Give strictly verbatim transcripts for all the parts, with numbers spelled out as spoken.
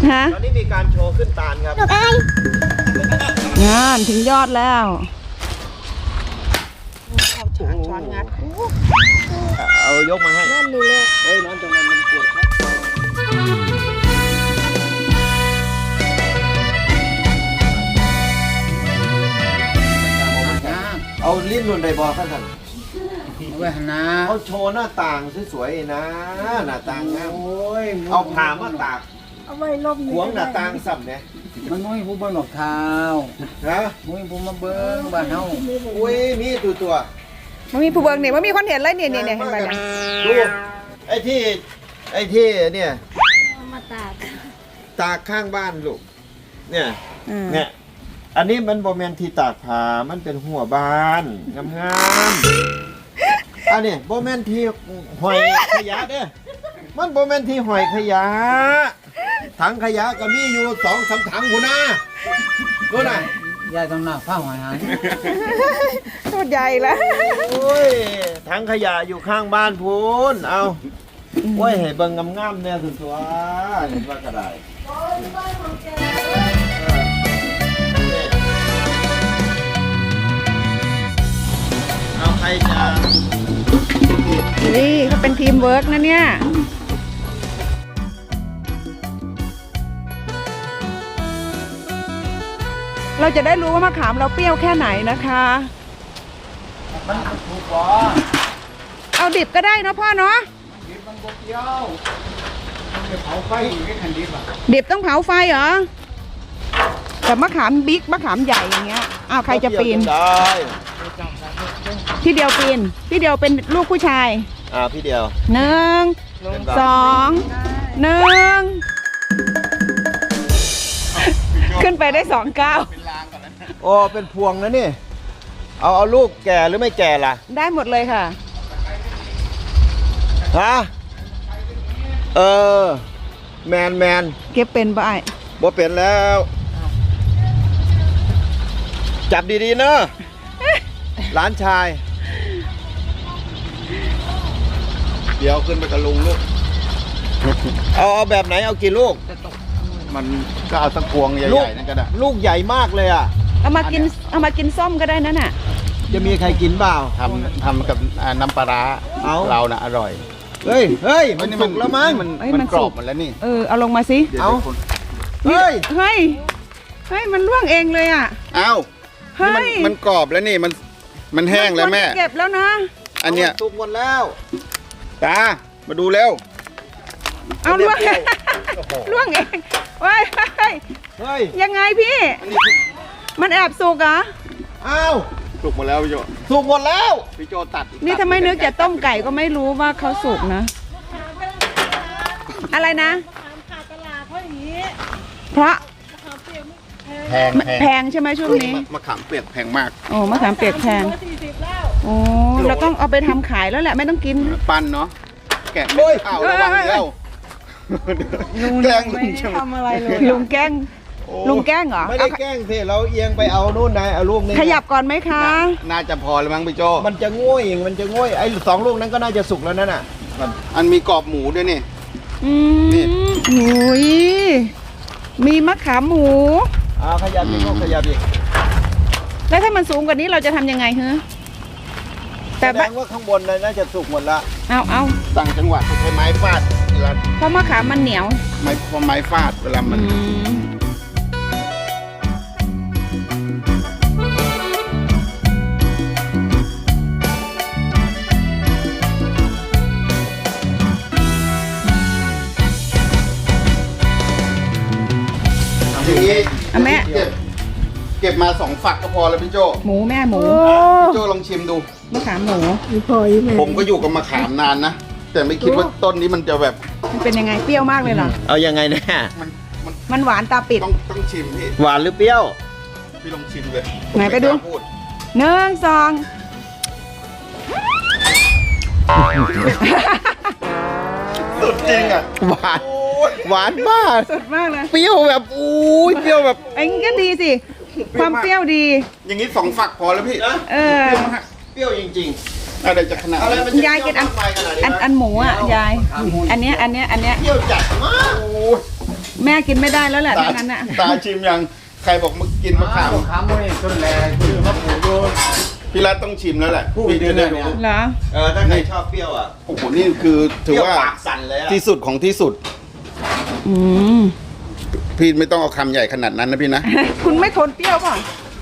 ฮะตอนนี้มีการโชว์ขึ้นตาลครับงานถึงยอดแล้วเอาช้อนช้อนงัดเอายกมาให้นั่นดูเลยเฮ้ยน้องตรงนั้นมันปวดครับเอาลิ้นนุ่นได้บอกท่านเว้ยนะเขาโชว์หน้าต่างสวยๆนะหน้าต่างงามเอาผ่ามาตากเอาไว้ลมหวงหน้าต่างสับเนี่ยมันมุ้ยผู้บนหลอกเท้าฮะมุ้ยผู้มาเบิ้งบ้านเฮาอุ้ยมีตัวตัวมันมีผู้เบิ้งเนี่ยมันมีคนเห็นเลยเนี่ยเนี่ยเห็นไหมดูไอ้ที่ไอ้ที่เนี่ยมาตากตากข้างบ้านลูกเนี่ยเนี่ยอันนี้มันโบแมนที่ตากผ้ามันเป็นหัวบานงามๆอันนี้โบแมนที่หอยขยะเด้อมันโบแมนที่หอยขยะถังขยะก็มีอยู่สองสามถังหัวหน้าดูหน่อยยายต้องหน้าผ้าหอยหางตัวใหญ่แล้วโอ้ยถังขยะอยู่ข้างบ้านพูนเอาโอ้ยให้เบิ่งงามๆเนี่ยสุดตัวเห็นว่าก็ได้เอาใครจะนี่เขาเป็นทีมเวิร์กนะเนี่ยเราจะได้รู้ว่ามะขามเราเปรี้ยวแค่ไหนนะคะมันถูกกว่าเอาดิบก็ได้นะพ่อเนาะดิบมันบ่เปรี้ยวมันจะเผาไฟไม่ทันดิบอ่ะดิบต้องเผาไฟเหรอแต่มะขามบิ๊กมะขามใหญ่อย่างเงี้ยอ้าวใครจะปีนพี่เดียวปีนพี่เดียวเป็นลูกผู้ชายอ่าพี่เดียวหนึ่งสองหนึ่งขึ้นไปได้สองเก้าโอ้เป็นพวงนะนี่เอาเอาลูกแก่หรือไม่แก่ล่ะได้หมดเลยค่ะฮะเออแมนแมนเก็บเป็นบ่ายบ่เป็นแล้วจับดีๆเนอะหลานชายเดี๋ยวขึ้นไปกับลุงลูกเอาเอาแบบไหนเอากี่ลูกมันก็เอาสักพวงใหญ่ๆนั่นก็ได้ลูกใหญ่มากเลยอ่ะเอามากินเอามากินส้มก็ได้นั่นน่ะจะมีใครกินเปล่าทำทำกับน้ำปลาร้าเราน่ะอร่อยเฮ้ยเฮ้ยมันสุกแล้วมั้งมันมันกรอบหมดแล้วนี่เออเอาลงมาสิเอาเฮ้ยเฮ้ยเฮ้ยมันร่วงเองเลยอ่ะเอาเฮ้ยมันกรอบแล้วนี่มันมันแห้งแล้วแม่เก็บแล้วนะอันเนี้ยสุกหมดแล้วตามาดูเร็วเอาล่วงล่วงเองเฮ้ยเฮ้ยยังไงพี่มันแอบสุกเหรออ้าวสุกหมดแล้วพี่โจสุกหมดแล้วพี่โจตัดนี่ทำไมนึกจะต้มไก่ก็ไม่รู้ว่าเขาสุกนะอะไรนะขาดตลาดเพราะอย่างนี้เพราะแพงแพงใช่ไหมช่วงนี้มะขามเปียกแพงมากโอ้มะขามเปียกแพงโอ้เราต้องเอาไปทำขายแล้วแหละไม่ต้องกินปั้นเนาะแกะไม่เอาระวังเดียวลุงแกล้งลุงทำอะไรเลยลุงแกล้งลุงแกล้งเหรอไม่ได้แกล้งสิเราเอียงไปเอานู่นนายเอาลูกนี้ขยับก่อนไหมคะน่าจะพอแล้วมั้งพี่โจมันจะง่วยมันจะง่วยไอ้สองลูกนั้นก็น่าจะสุกแล้วนั่นน่ะอันมีกรอบหมูด้วยนี่อืมนี่โอ้ยมีมะขามหมูอ่าขยับอีกขยับอีกแล้วถ้ามันสูงกว่านี้เราจะทำยังไงฮะแต่แสดงว่าข้างบนน่าจะสุกหมดละเอาเอาต่างจังหวัดใช้ไม้ฟาดเพราะมะขามมันเหนียวไม้เพราะไม้ฟาดเวลามันอย่างนี้แม่เก็บมาสองฝักก็พอแล้วพี่โจหมูแม่หมูพี่โจลองชิมดูมะขามหมูผมก็อยู่กับมะขามนานนะแต่ไม่คิดว่าต้นนี้มันจะแบบมันเป็นยังไงเปรี้ยวมากเลยเหรอเอายังไงเนี่ยมันมันหวานตาปิดต้องต้องชิมพี่หวานหรือเปรี้ยวพี่ลองชิมเลยไหนไปดูหนึ่งสองสุดจริงอ่ะหวานหวานมากสุดมากเลยเปรี้ยวแบบอุ้ยเปรี้ยวแบบไอ้ก็ดีสิความเปรี้ยวดีอย่างนี้สองฝักพอแล้วพี่เออเปรี้ยวจริงๆอะไรจะขนาดยายกินอันอันอันหมูอ่ะยายอันเนี้ยอันเนี้ยอันเนี้ยเปรี้ยวจัดมากแม่กินไม่ได้แล้วแหละตาทั้งนั้นน่ะตาชิมยังใครบอกมากินมะขามขามไม่ต้นแรงคือมะขูดโยนพี่รัตต้องชิมแล้วแหละพูดพี่จะได้เดือนรู้เนี่ยเหรอเออถ้าใครชอบเปรี้ยวอ่ะโอ้โหนี่คือถือว่าเปรี้ยปากสั่นเลยอะที่สุดของที่สุดอืมพี่ไม่ต้องเอาคำใหญ่ขนาดนั้นนะพี่นะคุณไม่ทนเปรี้ยวป่ะ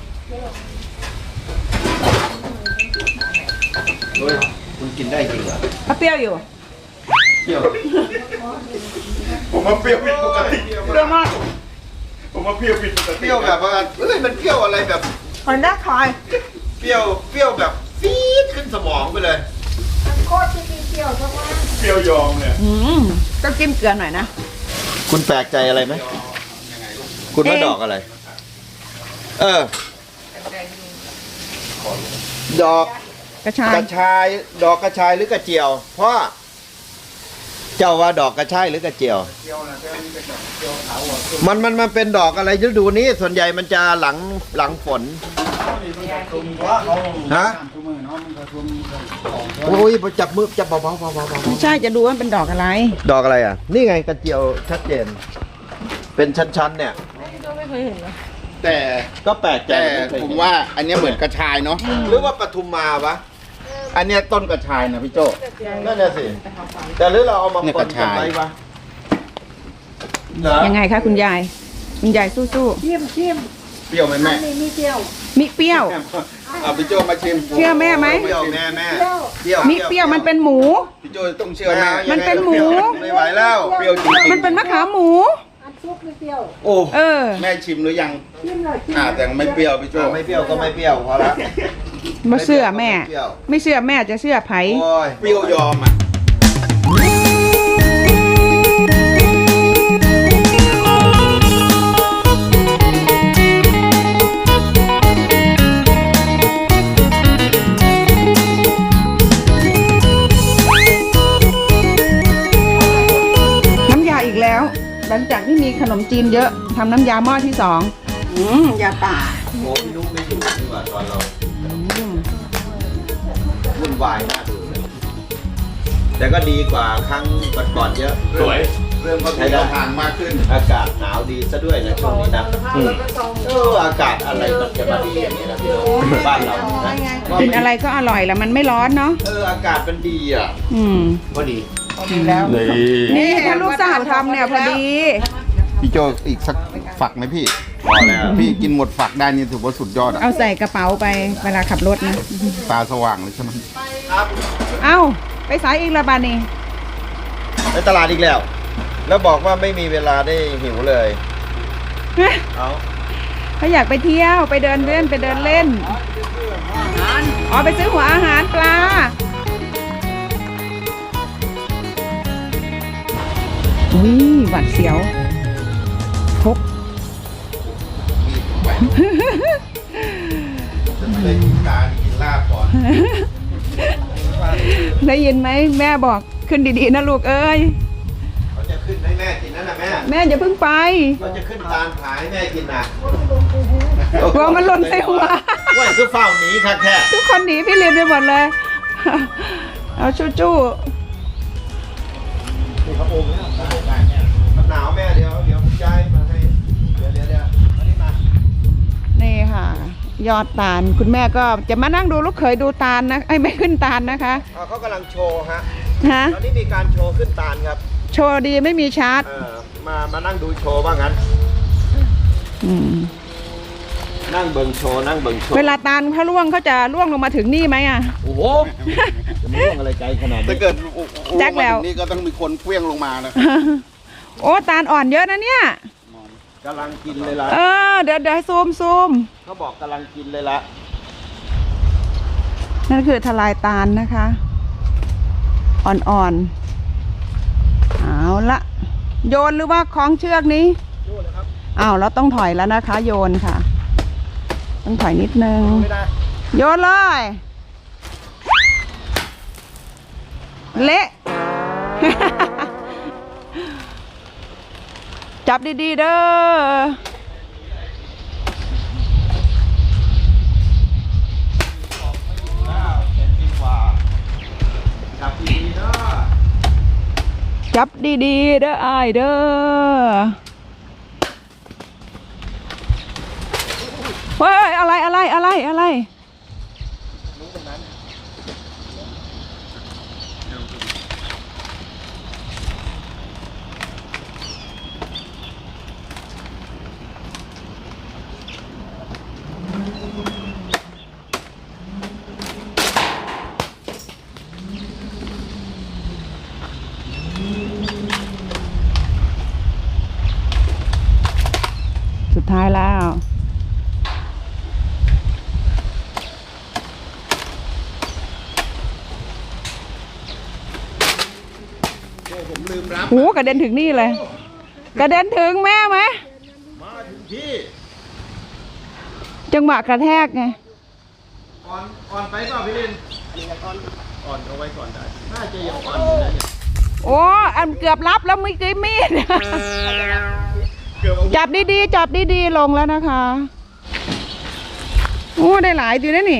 เฮ้ยคุณกินได้จริงเหรอถ้าเปรี้ยวอยู่เปรี้ยวผมว่าเปรี้ยวผิดปกติเปรี้ยวมากผมว่าเปรี้ยวผิดปกติเปรี้ยวแบบว่าเฮ้ยมันเปรี้ยวอะไรแบบหอยนักคอยเปรี้ยวเปรี้ยวแบบฟี๊ดขึ้นสมองไปเลยโคตรที่มีเกี่ยวทั้งวันเปรี้ยวยอมเนี่ยอืมต้องจิ้มเกลือหน่อยนะคุณแปลกใจอะไรไหมคุณว่าเอ๊ะดอกอะไร เออ ดอกกระชายกระชาย ดอกกระชายหรือกระเจียว เพราะเจ้าว่าดอกกระชายหรือกระเจียว มันมันมันเป็นดอกอะไรฤดูนี้ส่วนใหญ่มันจะหลังหลังฝนฮะโอ้ยจับมือจับเบาๆเบาๆเบาๆเบาไม่ใช่จะดูว่ามันเป็นดอกอะไรๆดอกอะไรอ่ะ นี่ไงกระเจียวชัดเจน เป็นชั้นๆเนี่ยแต่ก็แปลกใจแต่ไม่เคยผมเห็นว่าอันเนี้ยเหมือนกระชายเนาะหรือว่าปทุมมาวะอันเนี้ยต้นกระชายนะพี่โจนั่นน่ะสิ แต่หรือเราเอามาเนี่ยปกนระกันชายไว้วะเหรอยังไงคะคุณยาย คุณยายสู้ชิมชิมเปรี้ยวไหมอัแม่นนี้มีเกี่ยวๆมีเปรี้ยวเอาพี่โจมาชิมเชื่อแม่ไหมเปรี้ยวแม่แม่เปรี้ยวเปรี้ยวมีเปรี้ยวมันเป็นหมูพี่โจต้องเชื่อแม่มันเป็นหมูไม่ไหวแล้วเปรี้ยวจริงๆมันเป็นมะขามหมูอันซุปมีเปรี้ยวโอ้เออแม่ชิมหรือยังชิมเลยชิมอ่าแต่ไม่เปรี้ยวพี่โจไม่เปรี้ยวก็ไม่เปรี้ยวพอละมาเชื่อแม่ไม่เปรี้ยวไม่เชื่อแม่จะเชื่อไผโอ้ยเปรี้ยวยอมอ่ะน้ำยาอีกแล้ว หลังจากที่มีขนมจีนเยอะทำน้ำยาหม้อที่สองอืมยาป่าโอ้พี่นุ๊กไม่อยู่ดีกว่าตอนเราอืมวุ่นวายน่าดูเลยแต่ก็ดีกว่าครั้งก่อนๆเยอะสวย เริ่มเข้าถึงแนวทางมากขึ้นอากาศหนาวดีซะด้วยนะช่วงนี้นะเอออากาศอะไรมันจะมาดีอย่างนี้นะพี่น้องบ้านเรานะกินอะไรก็อร่อยแล้วมันไม่ร้อนเนาะเอออากาศมันดีอ่ะอืมก็ดีนี่ถ้าลูกสาวทำเนี่ยพอดีพี่โจอีกสักฝักไหมพี่พอแล้วพี่กินหมดฝักได้นี่ถือว่าสุดยอดอ่ะเอาใส่กระเป๋าไปเวลาขับรถนะตาสว่างเลยใช่ไหมครับเอ้า ไปสายอีกและบานี่ไปตลาดอีกแล้ว แล้วบอกว่าไม่มีเวลาได้หิวเลย เอาเขาอยากไปเที่ยวไปเดินเล่นไปเดินเล่นอ๋อไปซื้อหัวอาหารปลาอุ้ยหวัดเสียวพกเลยการกินลาบก่อนได้ยินไหมแม่บอกขึ้นดีๆนะลูกเอ้ยเขาจะขึ้นให้แม่กินนั่นนะแม่แม่อย่าเพิ่งไปเขาจะขึ้นตาลผายแม่กินนะกลัวมันหล่นใส่หัวว่าคือเฝ้าหนีครับแค่ทุกคนหนีพี่ลินไปหมดเลย เอาจู้จู้นี่เขาโอมแล้วมันหนาวแม่เดี๋ยวเดี๋ยวผมย้ายมาให้เดี๋ยวเดี๋ยวเดี๋ยวอันนี้มานี่ค่ะ ยอดตาลคุณแม่ก็จะมานั่งดูลูกเขยดูตาลนะไอ้ยไม่ขึ้นตาลนะคะอ่าเขากำลังโชว์ฮะฮะตอนนี้มีการโชว์ขึ้นตาลครับโชว์ดีไม่มีชาร์จเออมามานั่งดูโชว์ว่างั้นอืมนั่งเบิ่งโชว์นั่งเบิ่งโชว์เวลาตาลเขาล่วงเขาจะล่วงลงมาถึงนี่ไหมอ่ะโอ้โหจะมาล่วงอะไรไกลขนาดถ้านี้เกิดแจ็คแล้วมาถึงนี่ก็ต้องมีคนเคลี้ยงลงมานะโอ้ตาลอ่อนเยอะนะเนี่ยกำลังกินเลยล่ะเออเดี๋ยวเดี๋ยวซูมซูมเขาบอกกำลังกินเลยละนั่นคือทลายตาลนะคะ อ่อนๆเอาละโยนหรือว่าคล้องเชือกนี้อ้าวเราต้องถอยแล้วนะคะ โยนค่ะ ต้องถอยนิดนึงไม่ได้โยนเลย เละ จับดีๆเด้อแล้วเจ็ดปีกว่าจับดีๆเนาะจับดีๆเด้ออายเด้อเฮ้ยอะไรอะไรอะไรอะไรสุดท้ายแล้วผมลืมรับหูกระเด็นถึงนี่เลย กระเด็นถึงแม่ไหมมาถึงที่จังหวะกระแทกไงอ่อนอ่อนไปเปล่าพี่ลินอ่อนอ่อนเอาไว้ก่อนได้น่าจะยังอ่อนอยู่นะเนี่ยโอ้อันเกือบรับแล้วเมื่อกี้มีดเกือบเอาจับดีๆ จับดีๆ ลงแล้วนะคะ โอ้ได้หลายอยู่นะนี่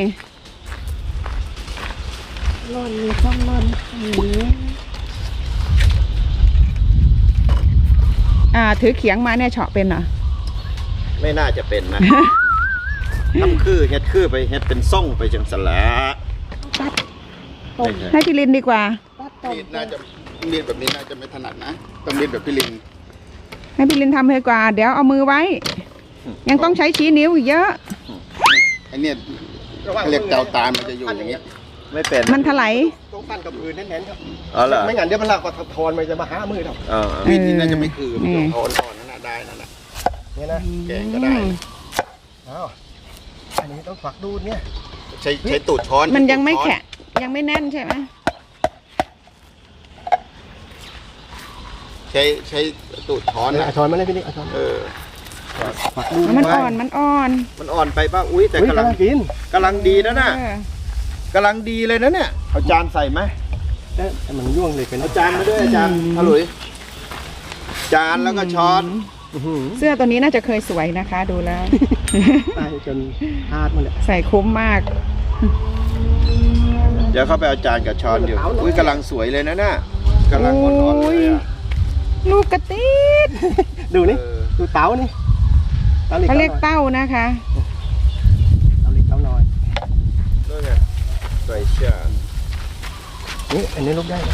ร่อนมีช่องร่อนอย่างนี้อ่า ถือเขียงมาเนี่ยเฉาะเป็นเหรอไม่น่าจะเป็นนะ ทำคือเฮ็ดคือไปเฮ็ดเป็นส่งไปจังสละตัดต้มให้พี่ลินดีกว่าตัดต้มมีดน่าจะมีดแบบนี้น่าจะไม่ถนัดนะต้องมีดแบบพี่ลิงให้พี่ลินทำเลยกว่า เดี๋ยวเอามือไว้ ยังต้องใช้ชี้นิ้วอีกเยอะไอเนี่ยเขาเรียกเจ้าตาลมันจะอยู่อย่างนี้ไม่เป็นมันถลายต้องปั้นกับพื้นแน่นๆครับอ๋อเหรอไม่งั้นเดี๋ยวมันลากกว่าทอนมันจะมาหามือเราเออมีดนี่น่าจะไม่คือนี่มันจะอ่อนๆนั่นน่ะได้นั่นน่ะเนี่ยนะแกงก็ได้อ้าวอันนี้ต้องฝักดูดเนี่ยใช้ใช้ตูดช้อนมันยังไม่ใช้ตูดช้อนแข็งยังไม่แน่นใช่ไหมใช้ใช้ตูดช้อนเอานะช้อนมาเลยพี่นี่เอาช้อนเออฝักดูดมันอ่อน มันอ่อนมันอ่อนไปป่ะอุ้ยแต่เฮ้ยกำลังกำลังกินกำลังดีนะน่ะเออกำลังดีเลยนะเนี่ยเอาจานใส่ไหมแต่มันย่วงเลยเป็นเอาจานมาด้วยอาจารย์อร่อยจานแล้วก็ช้อนอื้อหือเสื้อตัวนี้น่าจะเคยสวยนะคะ ดูแล้วตายจนพลาดหมันเลยใส่คุ้มมากเดี๋ยวเข้าไปเอาจานกับช้อนอยู่อุ้ยกำลังสวยเลยนะน่ะกำลังอ่อนๆเลยอะลูกกระติดดูนี่เออดูเต๋านี่เต๋าเล็กเขาเรียกเต๋าเต้านะคะเต๋าเล็กเต๋าน้อยด้วยไงใส่ชานี่อันนี้ลูกได้นะ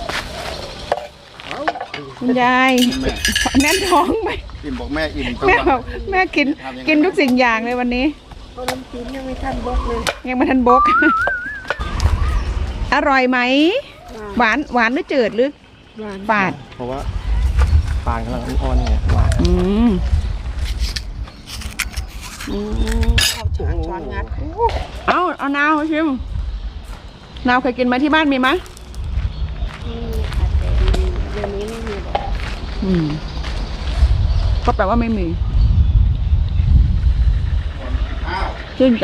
คุณยายแม่แน่นท้องไหมอิ่มบอกแม่อิ่มทั้งแม่วันบอกแม่กิน กินทุกสิ่งอย่างเลยวันนี้เพราะน้ำจิ้มยังไม่ทันบกเลยยังไม่ทันบก อร่อยไหม หวานหวานหรือจืดหรือหวานฝาดเพราะว่าปานกำลังอ่อนๆเนี่ยหวานอืมเอาช้อนช้อนงัดเอาเอานาวชิมนาวเคยกินไหมที่บ้านมีไหมนี่ค่ะแต่เดี๋ยวนี้ไม่มีหรอกอืมก็แปลว่าไม่มีอ้าวชื่นใจ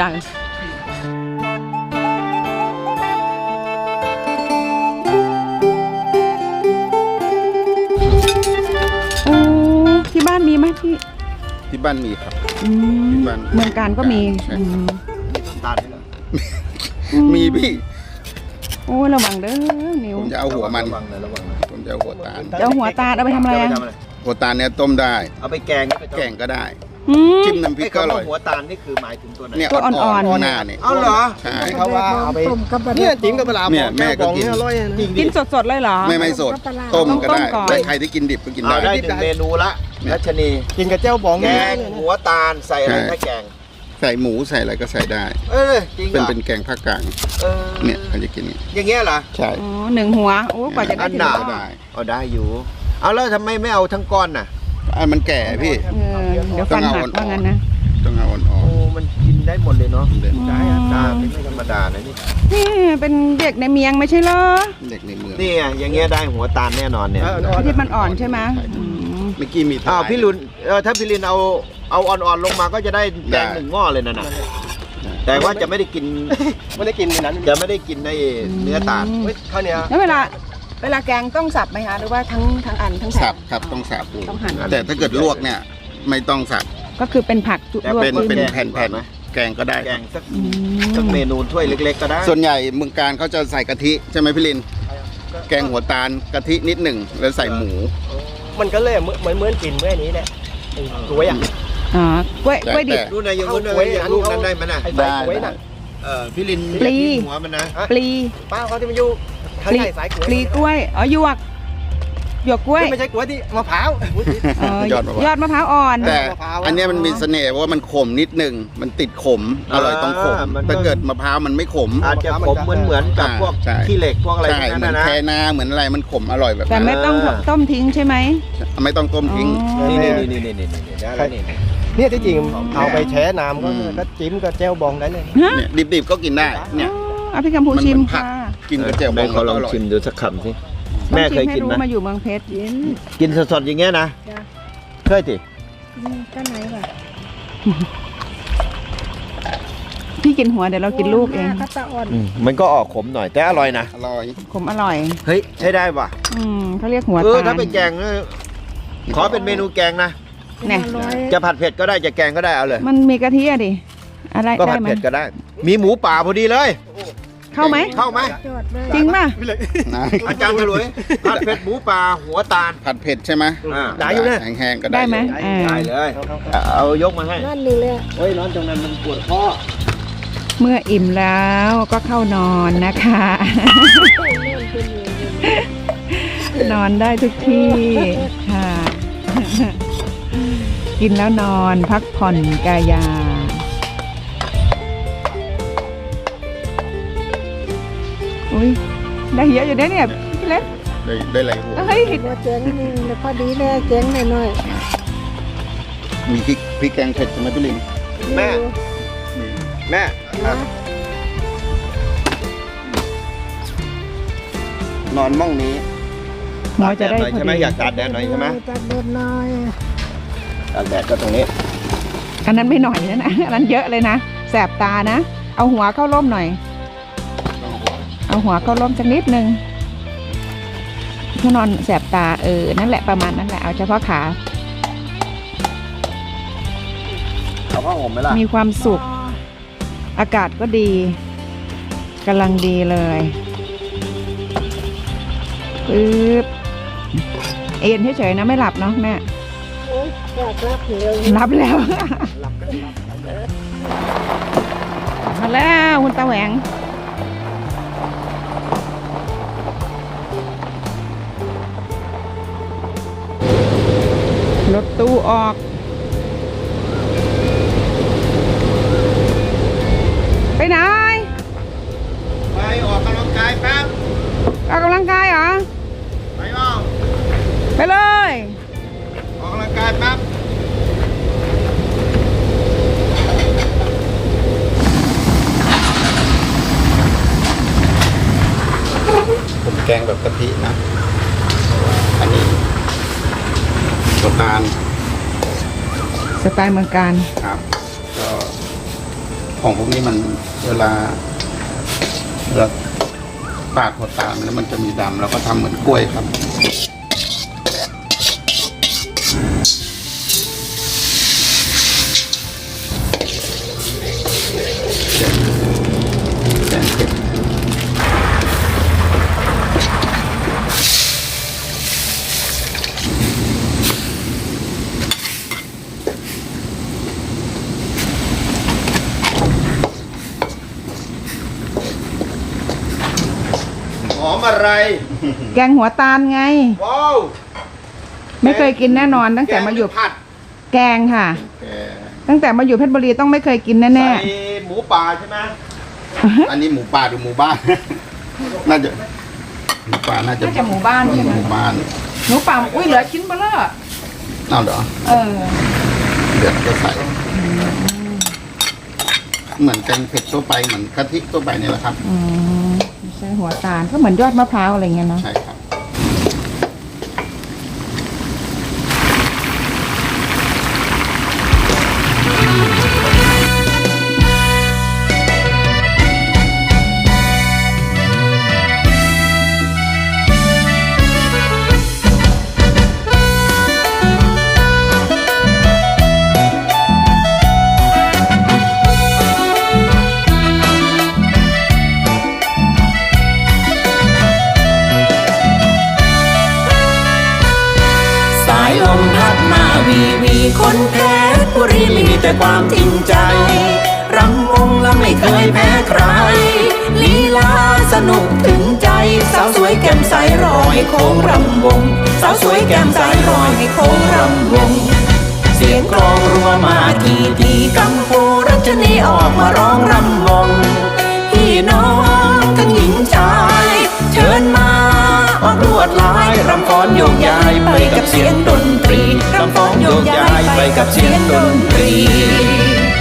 โอ้ที่บ้านมีไหมพี่ที่บ้านมีครับอืมที่บ้านเมืองการก็มีใช่อืมน้ำตาลนี่เหรอมีพี่โอ้ยระวังเด้อนิ้วผมจะเอาหัวมันระวังหน่อยระวังหน่อยผมจะเอาหัวตาลจะเอาหัวตาลเอาไปทำอะไรเอาอะไปทำอะไรหัวตาลเนี่ยต้มได้เอาไปแกงไปต้มแกงก็ได้อืมจิ้มน้ำพริกไอ้ก็อคำร่ว่าอยหัวตาลนี่คือหมายถึงตัวไหนเนี่ยตัวอ่อนๆๆหน้าเนี่ยเอาเหรอใช่เขาว่าเอาไปต้มกับปลาเนี่ยจิ้มกับปลาร้าเนี่ยแม่ก็กินบออร่อยนะกินสดๆเลยเหรอไม่ไม่สด ต้มก็ได้ต้องต้มก่อนแต่ใครที่กินดิบก็กินเอาได้ได้หนึ่งเมนูละรัชนีกินกับเจ้าบองแกเนี่ยงหัวตาลใส่อะไรใช่ถ้าแกงใส่หมูใส่อะไรก็ใส่ได้เออจริงเหเป็นรอเป็นแกงภาคกลางเออเนี่ยเขาจะกินอย่างนี้อย่างเงี้ยเหรอใช่อ๋อหนึ่งหัว โอ้กว่าจะได้อันทีหนาละได้เอาได้อยู่ เอาแล้วทำไมไม่เอาทั้งก้อนน่ะอันมันแก่พี่เออเดี๋ยวฟันหักว่างั้นนะต้องเอาอ่อนโอ้มันกินได้หมดเลยเนาะๆเด็กได้อาจารย์ไม่ธรรมดานะนี่นี่เป็นเด็กในเมียงไม่ใช่เหรอเด็กในเมืองนี่ไงอย่างเงี้ยได้หัวตาลแน่นอนเนี่ยที่มันอ่อนใช่ไหมอืมเมื่อกี้มีทลายอ้าวพี่ลุนเออถ้าพี่ลินเอาเอาอ่อนๆลงมาก็จะได้แกงหนึ่งหม้อเลยนะน่ะแต่ว่าจะไม่ได้กินไม่ได้กินในนั้นจะไม่ได้กินในเนื้อตาลเฮ้ยข้าวเหนียวแล้วเวลา เวลาแกงต้องสับไหมคะหรือว่าทั้งทั้งอันทั้งแผ่สันบครับต้องสับต้องหั่นแต่ถ้าเกิดลวกเนี่ยไม่ต้องสับก็คือเป็นผักจุแต่ลวกเป็นขึ้เป็นแกงแผ่นๆนะแกงก็ได้แกงสักอืมสักเมนูถ้วยเล็กๆก็ได้ส่วนใหญ่เมืองการเขาจะใส่กะทิใช่ไหมพี่ลิน แกงหัวตาลกะทินิดหนึ่งแล้วใส่หมูมันก็เลยเหมือนเหมือนเหมือนกินเมื่อนี้แหละไอ้กล้วยอ่ะออ๋อกล้วยกล้วยดิบนู่นนายยังนู่นนายยังลูกนั้นได้ไหมน่ะไอ้สายกล้วยน่ะเออพี่ลินปลีหัวมันนะปลีป้าเขาที่มันอยู่ข้างปลีในสายกล้วยปลีกล้วยอ๋อหยวกหยวกกล้วยไม่ใช่กล้วยที่มะพร้าวเออยอดมะพร้าวยอดมะพร้าวอ่อนแต่อันเนี้ยมันมีเสน่ห์เพราะว่ามันขมนิดนึงมันติดขมอร่อยต้องขมถ้าเกิดมะพร้าวมันไม่ขมอาจจะขมเหมือนเหมือนกับพวกใช่ขี้เหล็กพวกอะไรใช่พวกเหมืนั้อน นนะแคนาเหมือนอะไรมันขมอร่อยแบบแต่นั้นไม่ต้องต้มทิ้งใช่ไหมไม่ต้องต้มทิ้งอ๋อนี่นี่นี่นี่นี่นี่นี่ได้แล้วนี่เนี่ยที่จริงเอาไปแช่น้ำก็ก็จิ้มก็แจ่วบองได้เลยฮะเนี่ยดิบๆก็กินได้เนี่ยเอาพี่กัมพูมันเหมืชิอนมผักค่ะกินกับแจ่วบแม่องเขาลองก็ร่ยชิมดูสักคำสิต้องแม่เคยชิให้กินรู้ไหมมาอยู่เมืองเพชรกินกินสดๆอย่างเงี้ยนะจ้ะเคยสิอืมก็ไหนวะพี่กินหัวเดี๋ยวเรากินลูกเองก็ตะอ่อนอืมมันก็ออกขมหน่อยแต่อร่อยนะอร่อยขมอร่อยเฮ้ยใช้ได้ป่ะอืมเขาเรียกหัวเออตาถ้าลเป็นแกงเออขอเป็นเมนูแกงนะเนี่ยอร่อยจะผัดเผ็ดก็ได้จะแกงก็ได้เอาเลยมันมีกะทิอะดิอะไรก็ได้ผัดไหมเผ็ดก็ได้ มีหมูป่าพอดีเลยเข้าไหมเข้าไหมจอดเลยจริงป่ะนะอาจารย์ฉลุยผัดเผ็ดหมูป่าหัวตาลผัดเผ็ดใช่ไหมอ่าได้อยู่นะแห้งๆก็ได้ได้ไหมอยู่อ่าได้เลยเอายกมาให้นั่นนี่เลยเฮ้ยร้อนตรงนั้นมันปวดข้อเมื่ออิ่มแล้วก็เข้านอนนะคะ นอนได้ทุกที่ค่ะ กินแล้วนอนพักผ่อนกายา อุ้ยได้เยอะอยู่นะเนี่ยพี่เล็กได้ได้หลายหัวเฮ้ยว่าเจ๊งนี่แล้วพอดีเลยเจ๊งหน่อยมีพริกพริกแกงเผ็ดใช่ไหมพี่ลิงๆแม่มีแม่นะนอนม่องนี้หมอจะได้ตากแดดหน่อยพอใช่ไหมดีอยากตากแดดหน่อยใช่ไหมตัดเด็ดหน่อยตากแดดก็ตรงนี้อันนั้นไม่หน่อยนะนะอันนั้นเยอะเลยนะแสบตานะ เอาหัวเข้าร่มหน่อย เอาหัวเข้าร่มสักนิดนึงถ้านอนแสบตาเออนั่นแหละประมาณนั้นแหละเอาเฉพาะขาเอาผ้าห่มไหมล่ะมีความสุข อากาศก็ดีกำลังดีเลยปึ๊บเอ็นเฉยๆนะไม่หลับเนาะแม่โอ๊ยอยากรับเลยรับแล้ว มาแล้วคุณตาแหวงรถตู้ออก ไปไหนไปออกกำลังกายแป๊บออกกำลังกายเหรอไปเปล่าไปเลยออกกำลังกายแป๊บผมแกงแบบกะทินะ อันนี้ตัวตาลสไตล์เมืองการครับก็ของพวกนี้มันเวลาเวลาปาดหัวตาลแล้วมันจะมีดำแล้วก็ทำเหมือนกล้วยครับ แกงเผ็ดหอมอะไรแกงหัวตาลไงว้าวไม่เคยกินแน่นอน ตั้งแต่มาอยู่ผัดแกงค่ะแกงตั้งแต่มาอยู่เพชรบุรีต้องไม่เคยกินแน่ใส่หมูป่าใช่ไหมๆอันนี้หมูป่าหรือหมูบ้าน น่าจะหมูป่าน่าจะน่าจะหมู่บ้านใช่ไหมหมู่บ้านหนูป่าอุ้ยเหลือชิ้นเบลอเอาเหรอเออเดี๋ยวก็ใส่ เหมือนแกงเผ็ดทั่วไปเหมือนกะทิทั่วไปนี่แหละครับอืมไม่ใช่หัวตาลก็เหมือนยอดมะพร้าวอะไรเงี้ยเนาะใช่ครับคนเพชรบุรีมีแต่ความจริงใจรำวงและไม่เคยแพ้ใครลีลาสนุกถึงใจสาวสวยแก้มใสรอให้โค้งรำวงสาวสวยแก้มใสรอให้โค้งรำวงเสียงกลองรัวมาทีทีกัมพูรัชนีออกมาร้องรำวงพี่น้องทั้งหญิงชายเชิญมาออกลวดลายรำฟ้อนโยกย้ายไปกับเสียงดนตรีรำฟ้อนโยกย้ายไปกับเสียงดนตรี